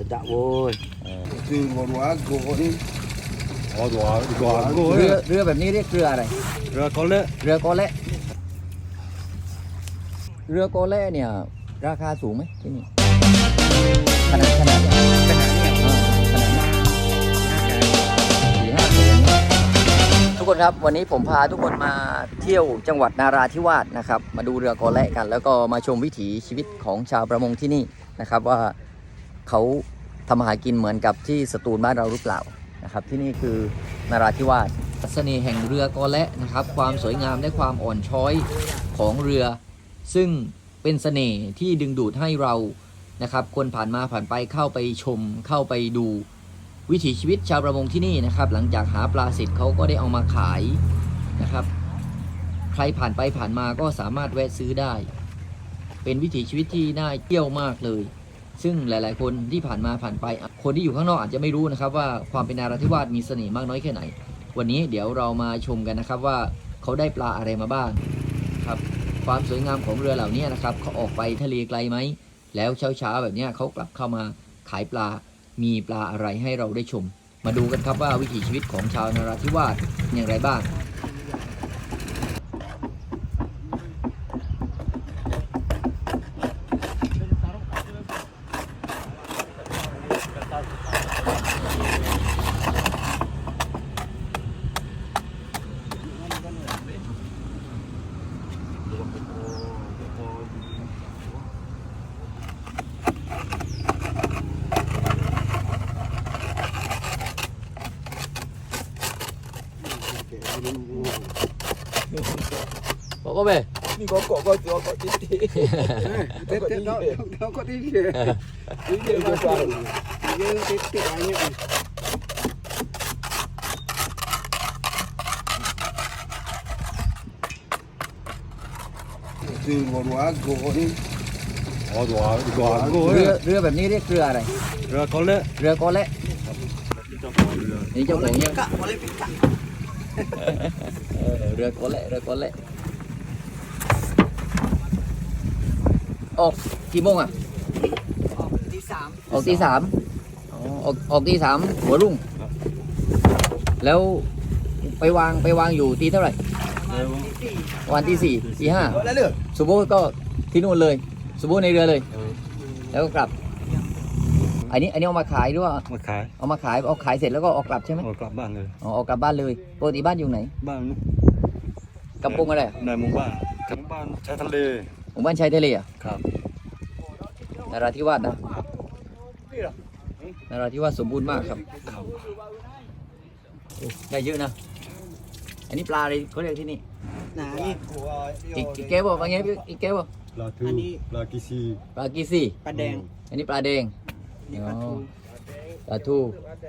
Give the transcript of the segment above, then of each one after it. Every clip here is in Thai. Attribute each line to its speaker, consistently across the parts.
Speaker 1: Dạ vôi.
Speaker 2: Từ một hóa gỗ đi.
Speaker 1: อ๋อตัวกู
Speaker 3: เรือแบบนี้เรียกเรืออะไร
Speaker 1: เรือเขาเละ
Speaker 3: เรือกอเละเรือกอเละเนี่ยราคาสูงไหมที่นี่ขนาดเนี่ย
Speaker 2: ขนาดเนี่ย
Speaker 3: ขนาดเนี่ยทุกคนครับวันนี้ผมพาทุกคนมาเที่ยวจังหวัดนาราธิวาสนะครับมาดูเรือกอเละกัน แล้วก็มาชมวิถีชีวิตของชาวประมงที่นี่นะครับว่าเขาทำอาหารกินเหมือนกับที่สตูลบ้านเราหรือเปล่านะครับที่นี่คือนาราธิวาสเสน่ห์แห่งเรือกอเละนะครับความสวยงามและความอ่อนช้อยของเรือซึ่งเป็นเสน่ห์ที่ดึงดูดให้เรานะครับคนผ่านมาผ่านไปเข้าไปชมเข้าไปดูวิถีชีวิตชาวประมงที่นี่นะครับหลังจากหาปลาเสร็จเขาก็ได้เอามาขายนะครับใครผ่านไปผ่านมาก็สามารถแวะซื้อได้เป็นวิถีชีวิตที่น่าเที่ยวมากเลยซึ่งหลายๆคนที่ผ่านมาผ่านไปคนที่อยู่ข้างนอกอาจจะไม่รู้นะครับว่าความเป็นนาราธิวาสมีเสน่ห์มากน้อยแค่ไหนวันนี้เดี๋ยวเรามาชมกันนะครับว่าเขาได้ปลาอะไรมาบ้างครับความสวยงามของเรือเหล่านี้นะครับเขาออกไปทะเลไกลไหมแล้วเช้าๆแบบนี้เขากลับเข้ามาขายปลามีปลาอะไรให้เราได้ชมมาดูกันครับว่าวิถีชีวิตของชาวนาราธิวาสอย่างไรบ้างบอกก็ไป
Speaker 2: Đi có cỏ có chó có tí tí. Tết Tết nó có tí kìa. Tí kìa mà còn. Như cái anh ấy. Từ một hóa gỗ đi.
Speaker 1: อ๋อตัวกู
Speaker 3: เรือแบบนี้เรียกเรืออะไร
Speaker 1: เรือเขาเละ
Speaker 3: เรือกอเละ
Speaker 1: เจ้าของเรือ
Speaker 3: นี่เจ้าของยังเรือกอเละเรือกอเละออกกี่โมงอ่ะออกตีสามออกตีสามหัวรุ่งแล้วไปวางอยู่ตีเท่าไหร่วันที่สี่ตีห้าสุโบก็ที่นู่นเลยสุโบในเรือเลยแล้วก็กลับอันนี้เอามาขายหรือว่า
Speaker 1: มาขาย
Speaker 3: เอามาขายเอาขายเสร็จแล้วก็ออกกลับใช่ไหม
Speaker 1: ออกกลับบ้านเลย
Speaker 3: อ๋อออกกลับบ้านเลยปกติบ้านอยู่ไหน
Speaker 1: บ้านนู้น
Speaker 3: กำปงอะไร
Speaker 1: ในหมู่บ้านกับบ้านชายทะเล
Speaker 3: หมู่บ้านชายทะเลอ่ะ
Speaker 1: ครับ
Speaker 3: นราธิวาสนะนราธิวาสสมบูรณ์มากครับ
Speaker 1: ครับ
Speaker 3: ได้เยอะนะอันนี้ปลาอะไรเขาเรียกที่นี่
Speaker 2: Này.
Speaker 3: อีกแก้วบอกว่าไงอีกแก้วบอก
Speaker 1: ปลาทูปลากีซี
Speaker 3: ปลากีซี่
Speaker 2: Pà đèn.
Speaker 3: อันนี้ปลาแดง
Speaker 2: Đi
Speaker 3: อ๋อ
Speaker 2: pà thu.
Speaker 3: ปลาทู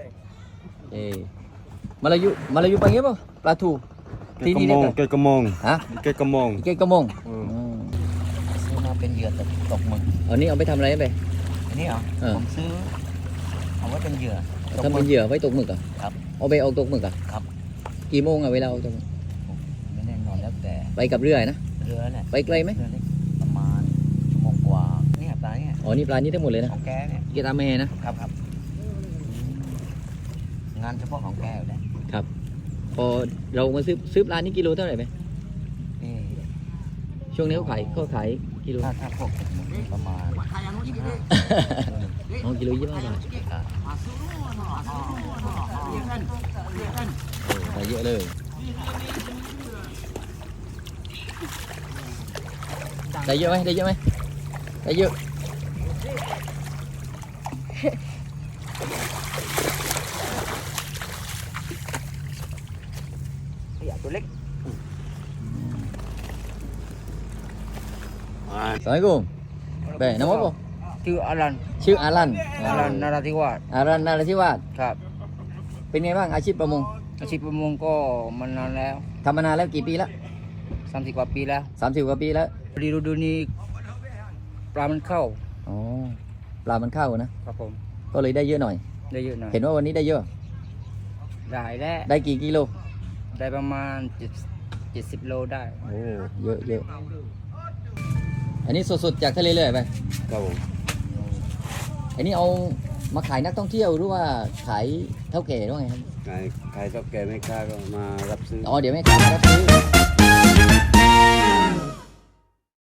Speaker 3: มาลายูปังเงี้ยป่ะปลาทูที่นี่เรียกอะไร
Speaker 1: เกยกระมง
Speaker 3: ฮะ
Speaker 1: เกยกระมง
Speaker 3: เกยกระมง
Speaker 2: ซื้อมาเป็นเหยื่อตกหมึก
Speaker 3: อันนี้เอาไปทำอะไรไป
Speaker 2: อันนี้เหรอ ผมซื้อเอาไว้เป็นเหยื่อ
Speaker 3: ทำเป็นเหยื่อไว้ตกหมึกอ่ะ
Speaker 2: ครับ
Speaker 3: เอาไปเอาตกหมึกอ่ะ
Speaker 2: ครับ
Speaker 3: กี่โมงอ่ะเวลาเอาตกหมึก
Speaker 2: ไม่แน่นอนแล้วแต่
Speaker 3: ไปกับเรือนะ
Speaker 2: เรือเนี่ย
Speaker 3: ไปไกลไหม
Speaker 2: เรือเล็กประมาณชั่วโมงกว่าเนี่ยปลาเนี่ย
Speaker 3: อ๋อนี่ปลานี้ทั้งหมดเลยนะ
Speaker 2: ของแกเนี่ย
Speaker 3: เกตาแม่นะครับ
Speaker 2: งานเฉพาะของแกอยู่แล้ว
Speaker 3: พอเรามาซื้อปลานี่กิโลเท่าไหร่ไหม
Speaker 2: นี่
Speaker 3: ช่วงนี้เขาขายกิโล
Speaker 2: ถ้าพวกประมาณ25
Speaker 3: อ๋อกิโล25 บาทได้เยอะเลยได้เยอะไหมได้เยอะ
Speaker 2: ขยะตัวเล็ก
Speaker 3: สวัสดีคุณเบ้น้ำมันป่ะ
Speaker 2: ชื่ออารัน
Speaker 3: ชื่ออารัน
Speaker 2: นาราธิวาส
Speaker 3: อารันนาราธิวาส
Speaker 2: ครับ
Speaker 3: เป็นไงบ้างอาชีพประมง
Speaker 2: อาชีพประมงก็มานานแล้ว
Speaker 3: ทำมานานแล้วกี่ปีแล้ว
Speaker 2: 30 กว่าปีแล้ว
Speaker 3: 30 กว่าปีแล้ว
Speaker 2: พอดีฤดูนี้ปลามันเข้า
Speaker 3: อ๋อปลามันเข้านะครับ
Speaker 2: ผม
Speaker 3: ก็เลยได้เยอะหน่อย
Speaker 2: ได้เยอะหน่อย
Speaker 3: เห็นว่าวันนี้ได้เยอะ
Speaker 2: ได้แล้ว
Speaker 3: ได้กี่กิโล
Speaker 2: ได้ประมาณ70 โลได้
Speaker 3: โอ้เยอะอันนี้สดๆจากทะเลเลยไป
Speaker 1: ครับผม
Speaker 3: อันนี้เอามาขายนักท่องเที่ยวหรือว่าขายเท่าแก่หรือว่าไงครับ
Speaker 2: ใครต้องแก่ไม่กล้าก็มารับซื้อ
Speaker 3: อ๋อเดี๋ยวแม่ค้ามารับซื้อ